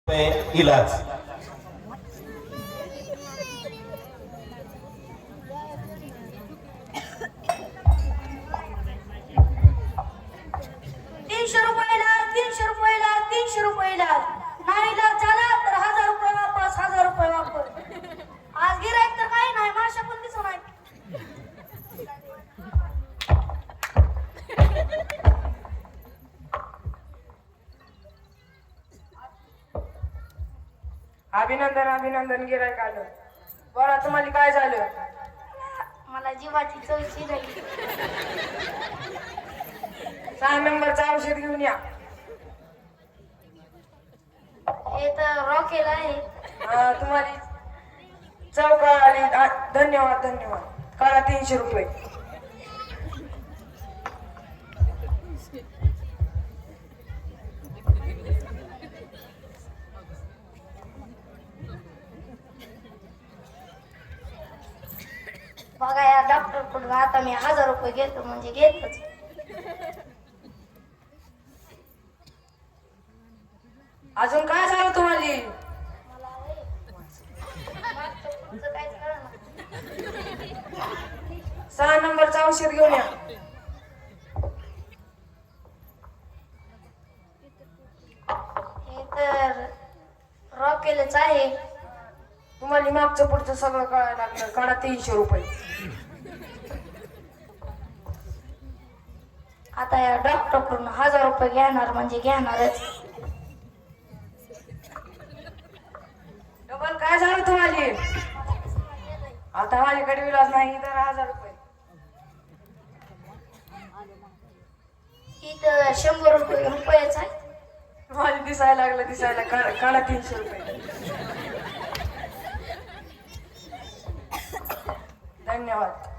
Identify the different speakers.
Speaker 1: इलाज.
Speaker 2: ₹300 नाही इलाज झाला तर ₹1000 वापस, ₹1000 वापस. आज गिराईक तर काही नाही, माशा पण दिसू नाही.
Speaker 3: अभिनंदन अभिनंदन गिरायक आलं. बरं तुम्हाला काय झालं?
Speaker 2: मला जीवाची चौची झाली.
Speaker 3: 6 नंबरचं औषध घेऊन या.
Speaker 2: हे तर रॉकेल आहे.
Speaker 3: तुम्हाला चव कळाली. धन्यवाद धन्यवाद. करा ₹300.
Speaker 2: बघा या डॉक्टर कडून आता मी ₹1000 घेतो म्हणजे घेतच.
Speaker 3: अजून काय झालं तुम्हाला?
Speaker 2: मला होय. मागचं पुढचं काहीच कळेना.
Speaker 3: 6 नंबरचं औषध घेऊन या.
Speaker 2: हे तर रॉकेलच आहे.
Speaker 3: तुम्हाला मागचं पुढचं सगळं कळायला लागलं. काढा ₹300.
Speaker 2: आता या डॉक्टर कडून ₹1000 घेणार म्हणजे घेणारच.
Speaker 3: डबल काय झालं तुम्हाला? आता माझ्याकडे विलाज नाही. तर ₹1000.
Speaker 2: इथं ₹100 आहे.
Speaker 3: मला दिसायला लागलं दिसायला. काढा ₹300. धन्यवाद.